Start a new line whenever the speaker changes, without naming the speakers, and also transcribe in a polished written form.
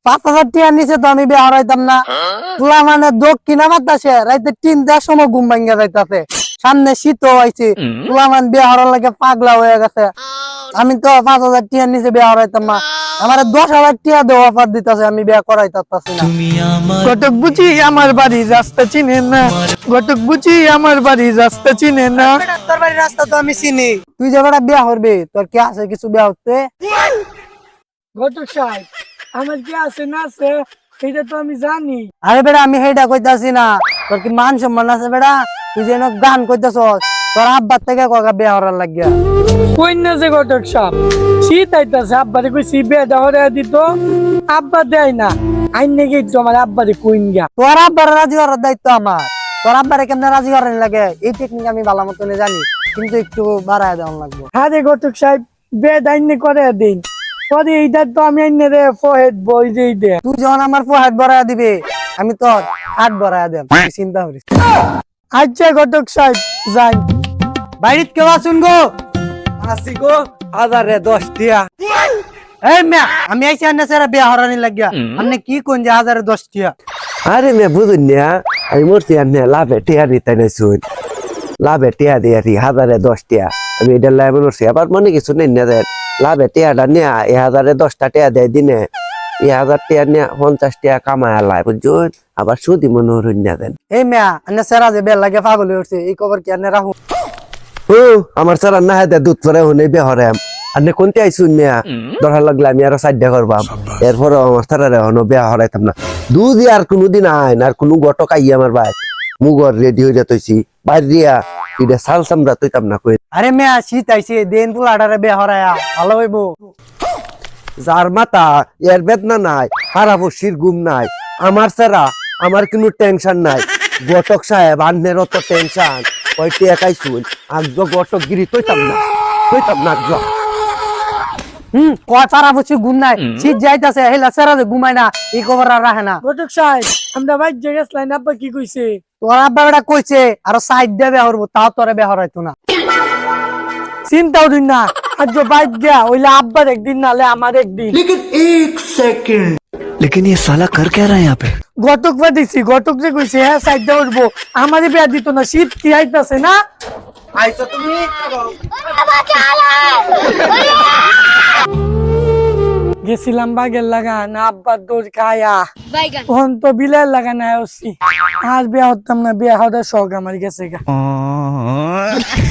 5,000 টাকা নিচে তো আমি বিয়ে হারাইতাম না। তুলা মানে দক্ষিণা বাতাসে রাইতে 3টার সময় ঘুম ভাঙ্গা যাইতাছে, সামনে শীত হয়েছে, তুলা মানে বিয়ে হারার লাগে পাগলা হয়ে গেছে। আমি তো 5,000 টাকা নিচে বিয়ে হারাইতাম না, আমার 10,000 টাকা দেওয়া অফার দিতেছে, আমি বিয়ে করাইতাছি না। ঘটক বুঝি আমার বাড়ি রাস্তা চিনে না, ঘটক বুঝি আমার বাড়ি রাস্তা চিনে না। তোর বাড়ির রাস্তা তো আমি চিনি, তুই যে বেটা বিয়ে করবি, তোর কি আছে কিছু বিয়ে হচ্ছে?
ঘটক সাহেব, আমার কি আছে না আছে এটা তো আমি জানি।
আরে বেটা আমি সেইটা কইতাছি না, তোর কি মান সম্মান আছে বেটা? তুই যেন গান কইতাছ, তোর আব্বার থেকে ককা বিয়ে করার লাগিয়া।
কই না যে ঘটক সাহেব, শীত আইতাছে, আব্বারে কইছি বিয়ে দেওয়া দিত, আব্বা দেয় না। আইন নাকি তোমার আব্বারে কইন গা।
তোর আব্বার রাজি করার দায়িত্ব আমার, তোর আব্বারে কেমনে রাজি করার লাগে এই টেকনিক আমি ভালো মতনে জানি, কিন্তু একটু বাড়ায় দেওয়া লাগবে।
হ্যাঁ রে ঘটক সাহেব, বিয়ে আইনে করে দিন, পরে এইটা তো আমি আইনে রে ফহেদ বই যেই দে।
তুই যখন আমার হাত ভরায় দিবে, আমি তোর হাত ভরায় দেব, তুই চিন্তা করিস।
আচ্ছা ঘটক সাহেব যাই।
বাইরিত কেউ আসুন গো।
আসি গো, 1010 টিয়া।
এই মিয়া, আমি আইছি আন্না সারা বিয়ে হরানি লাগিয়া, আপনি কি কোন যে 1010 টাকা?
আরে মে বুঝুন না, আমি মরছি আর না লাভে টিয়া দিতে নাই শুন, লাভে টিয়া দিয়ে 1010 টিয়া, আমি এটা লাভে মরছি। আবার মনে কিছু নেই না দেন, লাভে টিয়াটা নিয়ে 1010টা টিয়া দেয় দিনে, 1000 টিয়া নিয়ে 50 টিয়া কামায় আলায় বুঝুন, আবার সুদি মনে হরুন না দেন।
এই মিয়া, আন্না সারা যে বিয়ে লাগে পাগল হয়ে উঠছে, এই খবর কি আন্না রাখুন?
ও আমার সারা না হাতে দুধ পরে হুনে বেহরাম, আর নে কোনতে আইসুন মিয়া, দরকার লাগলে আমি আরো 4টা করবাম, এরপর আমার সারা হনো বিয়া হরাইতাম না। দুধ আর কোনোদিন আইন আর কোনো গটক আই আমার ভাই, মুগর রেডি হয়ে যেতেছি বাইর দিয়া, এটা সাল সামরা তৈতাম না কই।
আরে মিয়া, শীত আইছে, দেন পুলাটারে বিয়ে হরায়া ভালো হইব।
যার মাথা এর বেদনা নাই, হারাবসির ঘুম নাই, আমার সারা আমার কোনো টেনশন নাই। গটক সাহেব আন্নের অত টেনশন, কয়টি একাই শুন, আজ গটক গিরি তৈতাম না আজ।
কয় পারা বছর ঘুম নাই, শীত যাইতাছে, হেলা সারা যে ঘুমায় না, এই খবর আর রাখে না।
ঘটক সাহেব, আমরা ভাই জায়গা লাইন আব্বা কি কইছে?
তোর আব্বা বেটা কইছে আরো সাইড দিয়ে বিয়ে হরবো, তাও তোরে বিয়ে হরাইতো না।
চিন্তাও দিন না, আজ বাইক গিয়া ওইলে আব্বার একদিন নালে আমার একদিন।
लेकिन ये साला कर क्या रहा है यहाँ पे?
ঘটক পাঠিয়েছি, ঘটক যে কইছে হ্যাঁ সাইড দিয়ে উঠবো, আমারে বিয়া দিত না, শীত কি আইতাছে না।
আইছো তুমি?
গেছিলাম বাগের লাগান, আব্বার দৌড় খায়া তখন তো বিলার লাগান আছি, আর বিয়া হতাম না, বিয়া হওয়ার শখ আমার গেছে গা।